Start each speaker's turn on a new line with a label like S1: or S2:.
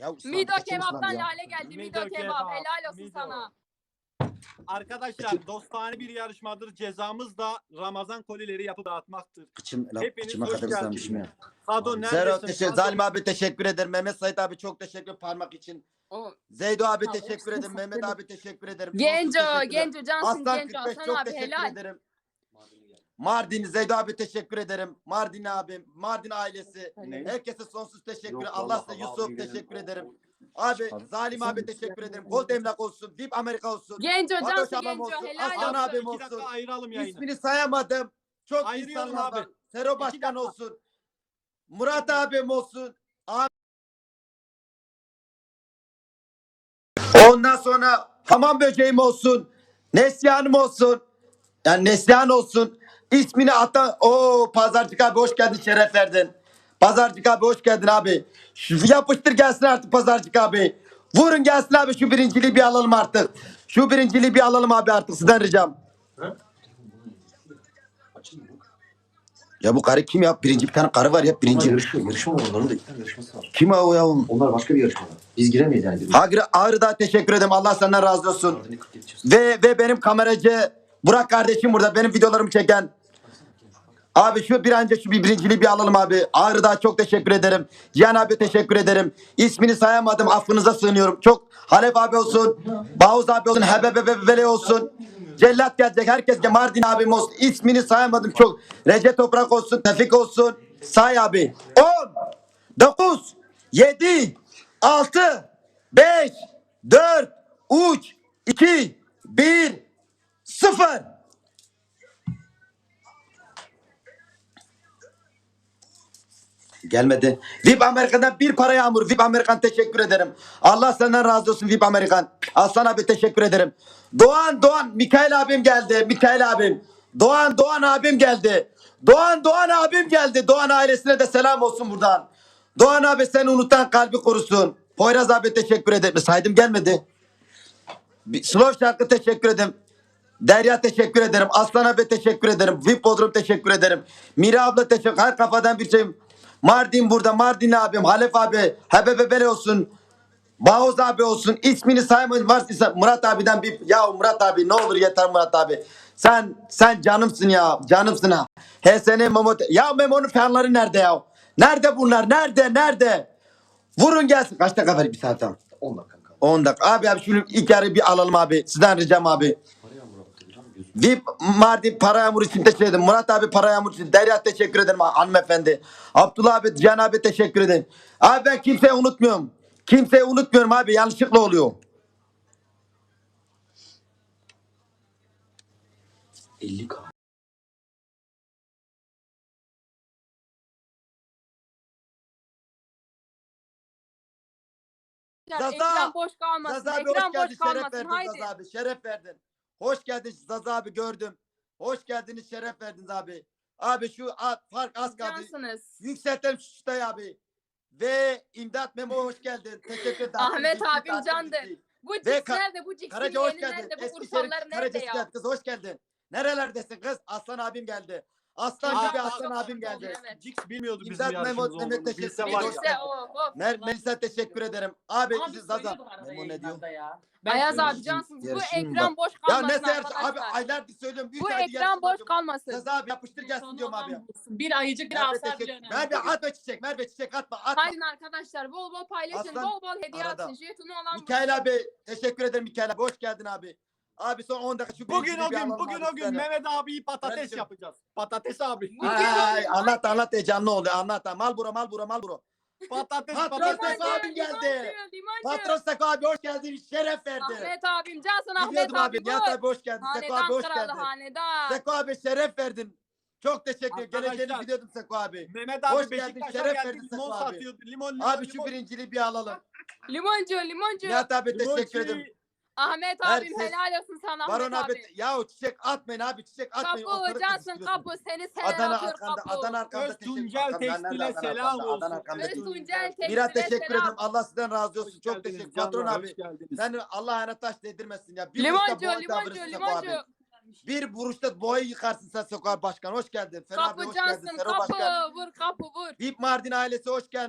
S1: Ya
S2: Mido kebaptan Lale geldi. Mido kebap. Helal olsun
S3: Mido.
S2: sana.
S3: Arkadaşlar dostane bir yarışmadır. Cezamız da Ramazan kolileri yapıp dağıtmaktır. Hepiniz
S1: kıçıma
S3: hoş
S1: kadar
S3: geldiniz.
S1: ıslanmışım ya.
S3: Sado
S1: Zero
S3: neredesin?
S1: teşekkür. Zalim abi teşekkür ederim. Mehmet Sait abi çok teşekkür parmak için. Zeydo abi teşekkür ederim. Mehmet abi teşekkür ederim.
S2: Genco,
S1: Sonsuz teşekkürler.
S2: Genco Cansın
S1: Aslan
S2: Genco.
S1: 45
S2: Hasan
S1: çok
S2: abi
S1: teşekkür
S2: helal.
S1: ederim. Mardin Zeydo abi teşekkür ederim. Mardin abim, Mardin ailesi.
S4: Ne?
S1: Herkese sonsuz teşekkür.
S4: Yok,
S1: Allah
S4: vallahi
S1: size
S4: abi
S1: Yusuf
S4: gidelim.
S1: teşekkür ederim. Abi Zalim abi teşekkür ederim. Gold emlak olsun. VIP Amerika olsun.
S2: Genco
S1: Fatoş
S2: Cansın
S1: ablam
S2: Genco.
S1: olsun.
S2: Helal
S1: Aslan
S2: olsun.
S1: abim
S3: 2 dakika
S1: olsun.
S3: ayıralım yayını.
S1: İsmini sayamadım. Çok
S3: Ayırıyorum
S1: insanlar
S3: abi.
S1: var. Sero Başkan olsun. Murat abim olsun. Ondan sonra hamam böceğim olsun. Neslihan'ım olsun. Yani Neslihan olsun. İsmini atan o Pazarcık abi hoş geldin, şeref verdin. Pazarcık abi hoş geldin abi. Yapıştır gelsin artık Pazarcık abi. Vurun gelsin abi, şu birinciliği bir alalım artık. Şu birinciliği bir alalım abi artık, sizden ricam. Ya bu karı kim ya? Birinci bir tane karı var ya, birinci.
S4: Yarışma var, onların da 2 tane yarışması var.
S1: Kim o ya?
S4: Onlar başka bir yarışma. Biz giremeyiz yani.
S1: Ağrı'da teşekkür ederim. Allah senden razı olsun. Ve benim kameracı Burak kardeşim burada. Benim videolarımı çeken. Abi şu birinciliği bir alalım abi. Ağrı'da çok teşekkür ederim. Cihan abi teşekkür ederim. İsmini sayamadım. Affınıza sığınıyorum. Çok Halep abi olsun. Bağuz abi olsun. Hebebebebele olsun. Cellat gelecek. Herkes Mardin abim olsun. İsmini sayamadım çok. Recep Toprak olsun. Tevfik olsun. Say abi. 10, 9, 7, 6, 5, 4, 3, 2, 1, 0. Gelmedi. VIP Amerikan'dan bir para yağmur. VIP Amerikan teşekkür ederim. Allah senden razı olsun VIP Amerikan. Aslan abi teşekkür ederim. Doğan Mikail abim geldi. Mikail abim. Doğan abim geldi. Doğan abim geldi. Doğan ailesine de selam olsun buradan. Doğan abi seni unutan kalbi korusun. Poyraz abi teşekkür ederim. Saydım gelmedi. Slow şarkı teşekkür ederim. Derya teşekkür ederim. Aslan abi teşekkür ederim. VIP Bodrum teşekkür ederim. Mira abla teşekkür. Her kafadan bir şeyim. Mardin burada. Mardin abim. Halef abi. Hebebebele olsun. Bağuz abi olsun. İsmini saymayın. Varsa Murat abiden bir. Ya Murat abi ne olur yeter Murat abi. Sen canımsın ya. Canımsın ha. HSN Memo. Ya Memo'nun fanları nerede ya? Nerede bunlar? Nerede? Vurun gelsin. Kaç dakika var bir saat tamam.
S4: 10 dakika.
S1: 10 dakika. Abi şunu ilk yarı bir alalım abi. Sizden ricam abi. VIP Mardin para yağmur için teşekkür ederim. Murat abi para yağmur için. Derya teşekkür ederim hanımefendi. Abdullah abi, Cihan abi teşekkür ederim. Abi ben kimseyi unutmuyorum. Kimseyi unutmuyorum abi. Yanlışlıkla oluyor.
S4: 50K.
S2: Ekran boş kalmasın.
S1: Zaza abi
S2: Ekran
S1: hoş geldin.
S2: boş
S1: Şeref
S2: kalmasın.
S1: verdin
S2: Haydi.
S1: Zaza abi. Şeref verdin. Hoş geldin Zaza abi, gördüm. Hoş geldiniz, şeref verdiniz abi. Abi şu fark az kaldı.
S2: Cansınız.
S1: Yükseltelim şu çıtayı abi. Ve İmdat Memo hoş geldin. Teşekkür ederim.
S2: Ahmet
S1: Bitti,
S2: abim
S1: tatil
S2: candı.
S1: bitti.
S2: Bu
S1: Ve
S2: cips nerede? Bu cipsin
S1: Karaca hoş
S2: yeni
S1: geldin.
S2: nerede? Bu
S1: Eskişehir
S2: kursallar nerede
S1: Karaca
S2: ya?
S1: kız hoş geldin. Nerelerdesin kız? Aslan abim geldi. Aslan gibi Aslan abim geldi.
S2: Evet.
S3: Cix bilmiyordu bizim
S1: İmdat Memo,
S3: yarışımız
S1: Mehmet
S3: olduğunu.
S1: teşekkür
S3: Bilse
S1: ederim.
S3: var ya.
S2: Bilirse o.
S1: Melisa teşekkür ederim. Abi
S5: Abi
S1: Zaza.
S5: söylüyorduk arada
S1: Memo ne diyor?
S5: yayınlarda ya.
S2: Ayaz abi
S5: söylüyorum.
S2: cansınız. Bu
S1: Yarışayım
S2: ekran boş
S1: Ya
S2: kalmasın
S1: ne serse abi
S2: arkadaşlar.
S1: aylardır söylüyorum. Üç
S2: Bu
S1: aydır
S2: ekran
S1: yarışma
S2: boş
S1: yapıyorum.
S2: kalmasın.
S1: Zaza abi yapıştır gelsin
S5: Sonu
S1: diyorum abi.
S5: olan bulsun. Bir ayıcık bir
S1: Merve
S5: asar bile
S1: teşekkür.
S5: önemli.
S1: Merve atma çiçek. Merve çiçek atma.
S2: Haydi arkadaşlar bol bol paylaşın.
S1: Aslan,
S2: Bol bol hediye
S1: arada.
S2: atın. Jetonu olan
S1: Mikail abi teşekkür ederim Mikail abi. Hoş geldin abi. Abi son 10 dakika şu
S3: Bugün
S1: birinciliği
S3: o
S1: bir
S3: gün,
S1: alalım
S3: bugün
S1: abi
S3: o gün
S1: sizden.
S3: Mehmet abiyi patates
S1: Kardeşim.
S3: yapacağız. Patates abi.
S1: Ay, anlat heyecanlı oldu. Anlat. Mal bura.
S3: Patates.
S1: Patron Seko abim geldi. Patron Seko abi hoş geldin. Şeref verdi.
S2: Ahmet abim cansın Ahmet
S1: Biliyordum
S2: abi.
S1: abi. Nihat abi hoş geldin. Seko abi
S2: Hanedan
S1: hoş
S2: kralı
S1: geldin.
S2: hanedan.
S1: Seko abi şeref verdin. Çok teşekkür ederim.
S3: Arkadaşlar,
S1: Geleceğini biliyordum Seko abi.
S3: Mehmet
S1: Hoş
S3: abi
S1: geldin,
S3: Beşiktaş'a
S1: şeref
S3: geldi.
S1: verdin
S3: Limon
S1: Seko abi.
S3: satıyordu. Limon.
S1: Abi şu birinciliği bir alalım.
S2: Limoncu.
S1: Nihat abi
S3: Limoncu.
S1: teşekkür ederim.
S2: Ahmet
S1: Her
S2: abim
S1: ses-
S2: helal olsun sana
S1: Baron
S2: Ahmet
S1: abi.
S2: abi.
S1: Ya çiçek atmayın abi. Çiçek atmayın.
S2: Kapı
S1: Ortalık
S2: cansın
S1: kızıştırıyorsun.
S2: kapı. Seni sever
S1: Adana
S2: atıyor
S1: arkanda.
S2: kapı.
S1: Adana arkanda
S3: Öz
S1: teşekkür
S3: Tuncel
S1: ederim.
S3: Tekstil'e selam olsun.
S1: Adana arkanda
S2: Öz
S1: teşekkür
S2: Tuncel Tekstil'e
S1: Mira teşekkür
S2: selam.
S1: ederim. Allah sizden razı olsun.
S3: Hoş
S1: Çok
S3: geldiniz
S1: teşekkür.
S3: canlar,
S1: Patron
S3: hoş
S1: abi.
S3: geldiniz.
S1: Sen Allah ayağına taş değdirmesin ya. Bir
S2: Limoncu,
S1: vuruşta boy davranırsın Seko abi. Bir vuruşta boyu yıkarsın sen Seko abi başkan. Hoş geldin. Fena abi
S2: Kapı
S1: hoş geldin.
S2: cansın
S1: Sero
S2: kapı.
S1: başkan.
S2: Vur kapı vur.
S1: VIP Mardin ailesi hoş geldin.